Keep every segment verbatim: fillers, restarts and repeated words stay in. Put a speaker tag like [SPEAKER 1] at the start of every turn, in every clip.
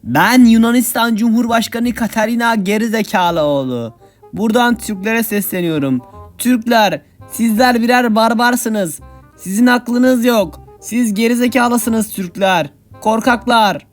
[SPEAKER 1] Ben Yunanistan Cumhurbaşkanı Katerina Gerizekalıoğlu. Buradan Türklere sesleniyorum. Türkler, sizler birer barbarsınız. Sizin aklınız yok. Siz gerizekalısınız Türkler. Korkaklar.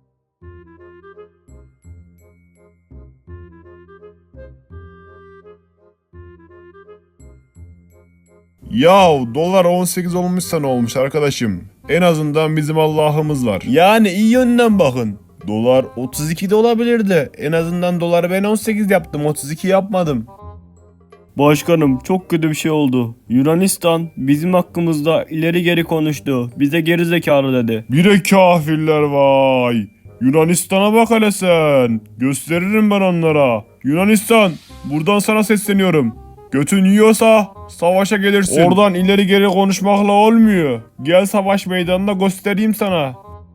[SPEAKER 2] Yahu dolar on sekiz olmuşsa ne olmuş arkadaşım? En azından bizim Allah'ımız var.
[SPEAKER 3] Yani iyi yönden bakın. Dolar otuz iki de olabilirdi. En azından doları ben on sekiz yaptım, otuz iki yapmadım.
[SPEAKER 4] Başkanım çok kötü bir şey oldu. Yunanistan bizim hakkımızda ileri geri konuştu. Bize geri zekalı dedi.
[SPEAKER 2] Bir de kafirler vay. Yunanistan'a bak hele sen. Gösteririm ben onlara. Yunanistan, buradan sana sesleniyorum. Götün yiyorsa savaşa gelirsin. Oradan ileri geri konuşmakla olmuyor. Gel savaş meydanına göstereyim sana.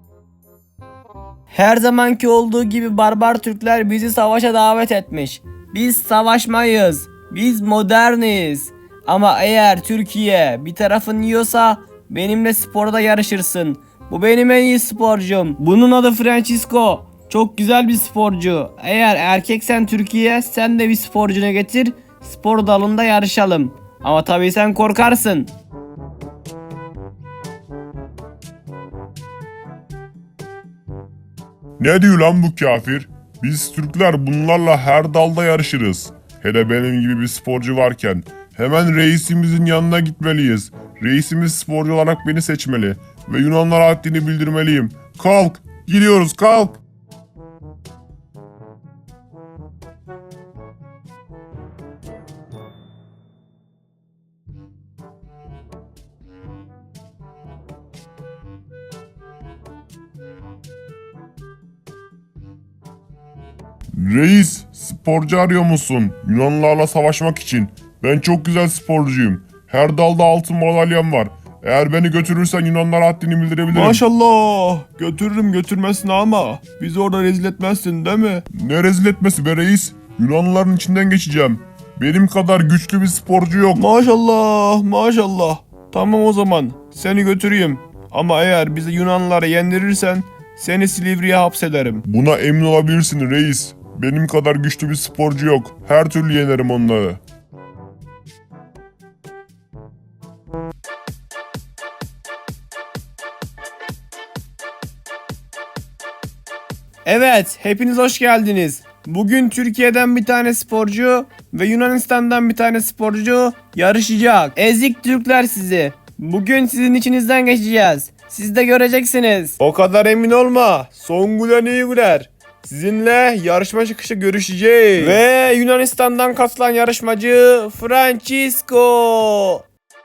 [SPEAKER 1] Her zamanki olduğu gibi barbar Türkler bizi savaşa davet etmiş. Biz savaşmayız. Biz moderniz. Ama eğer Türkiye bir tarafın yiyorsa benimle sporda yarışırsın. Bu benim en iyi sporcum. Bunun adı Francisco. Çok güzel bir sporcu. Eğer erkeksen Türkiye, sen de bir sporcunu getir. Spor dalında yarışalım. Ama tabii sen korkarsın.
[SPEAKER 2] Ne diyor lan bu kafir? Biz Türkler bunlarla her dalda yarışırız. Hele benim gibi bir sporcu varken hemen reisimizin yanına gitmeliyiz. Reisimiz sporcu olarak beni seçmeli ve Yunanlara haddini bildirmeliyim. Kalk, gidiyoruz kalk. Reis, sporcu arıyor musun? Yunanlılarla savaşmak için. Ben çok güzel sporcuyum. Her dalda altın madalyam var. Eğer beni götürürsen Yunanlara haddini bildirebilirim.
[SPEAKER 3] Maşallah. Götürürüm götürmesin ama. Bizi orada rezil etmezsin değil mi?
[SPEAKER 2] Ne rezil etmesi be reis? Yunanlıların içinden geçeceğim. Benim kadar güçlü bir sporcu yok.
[SPEAKER 3] Maşallah maşallah. Tamam o zaman. Seni götüreyim. Ama eğer bizi Yunanlılara yendirirsen seni Silivri'ye hapsederim.
[SPEAKER 2] Buna emin olabilirsin reis. Benim kadar güçlü bir sporcu yok. Her türlü yenerim onları.
[SPEAKER 3] Evet, hepiniz hoş geldiniz. Bugün Türkiye'den bir tane sporcu ve Yunanistan'dan bir tane sporcu yarışacak.
[SPEAKER 1] Ezik Türkler sizi. Bugün sizin içinizden geçeceğiz. Siz de göreceksiniz.
[SPEAKER 3] O kadar emin olma. Son gülen iyi güler. Sizinle yarışma çıkışı görüşeceğiz. Ve Yunanistan'dan katılan yarışmacı Francisco.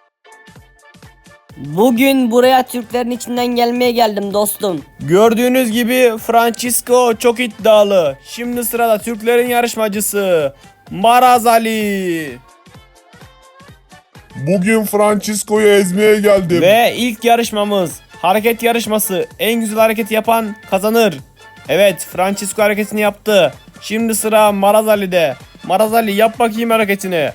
[SPEAKER 5] Bugün buraya Türklerin içinden gelmeye geldim dostum.
[SPEAKER 3] Gördüğünüz gibi Francisco çok iddialı. Şimdi sırada Türklerin yarışmacısı Maraz Ali.
[SPEAKER 2] Bugün Francisco'yu ezmeye geldim.
[SPEAKER 3] Ve ilk yarışmamız hareket yarışması. En güzel hareketi yapan kazanır. Evet, Francisco hareketini yaptı. Şimdi sıra Maraz Ali'de. Maraz Ali yap bakayım hareketini.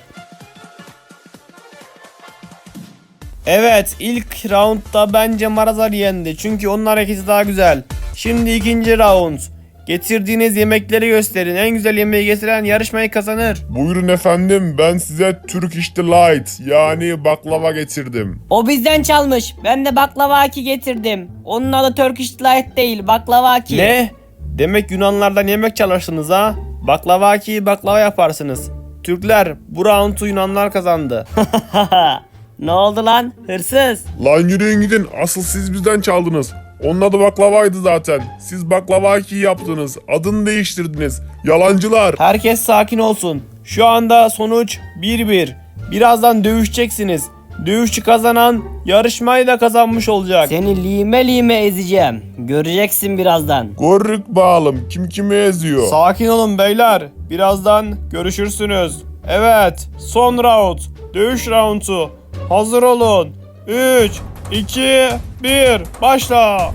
[SPEAKER 3] Evet, ilk roundda bence Maraz Ali yendi. Çünkü onun hareketi daha güzel. Şimdi ikinci round. Getirdiğiniz yemekleri gösterin. En güzel yemeği getiren yarışmayı kazanır.
[SPEAKER 2] Buyurun efendim, ben size Turkish Delight yani baklava getirdim.
[SPEAKER 5] O bizden çalmış. Ben de baklavaki getirdim. Onun adı Turkish Delight değil, baklavaki.
[SPEAKER 3] Ne? Demek Yunanlardan yemek çalıştınız ha? Baklavaki baklava yaparsınız. Türkler, bu roundu Yunanlar kazandı.
[SPEAKER 5] Ne oldu lan? Hırsız.
[SPEAKER 2] Lan yürüyün gidin, asıl siz bizden çaldınız. Onun adı baklavaydı zaten. Siz baklavaki yaptınız, adını değiştirdiniz. Yalancılar.
[SPEAKER 3] Herkes sakin olsun. Şu anda sonuç bir bir. Birazdan dövüşeceksiniz. Dövüşçü kazanan yarışmayı da kazanmış olacak.
[SPEAKER 5] Seni lime lime ezeceğim. Göreceksin birazdan.
[SPEAKER 2] Görrük bağlım, kim kimi eziyor.
[SPEAKER 3] Sakin olun beyler. Birazdan görüşürsünüz. Evet, son round. Dövüş roundu. Hazır olun. üç, iki, bir, başla.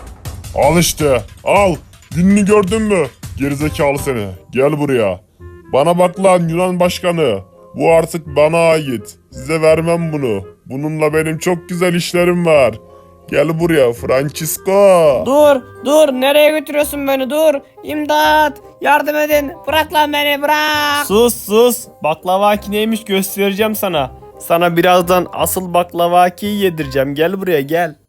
[SPEAKER 2] Al işte, al. Gününü gördün mü? Gerizekalı seni. Gel buraya. Bana bak lan Yunan başkanı. Bu artık bana ait. Size vermem bunu. Bununla benim çok güzel işlerim var. Gel buraya Francisco.
[SPEAKER 5] Dur dur nereye götürüyorsun beni dur. İmdat yardım edin bırak lan beni bırak.
[SPEAKER 3] Sus sus. Baklavaki neymiş göstereceğim sana. Sana birazdan asıl baklavaki yedireceğim. Gel buraya gel.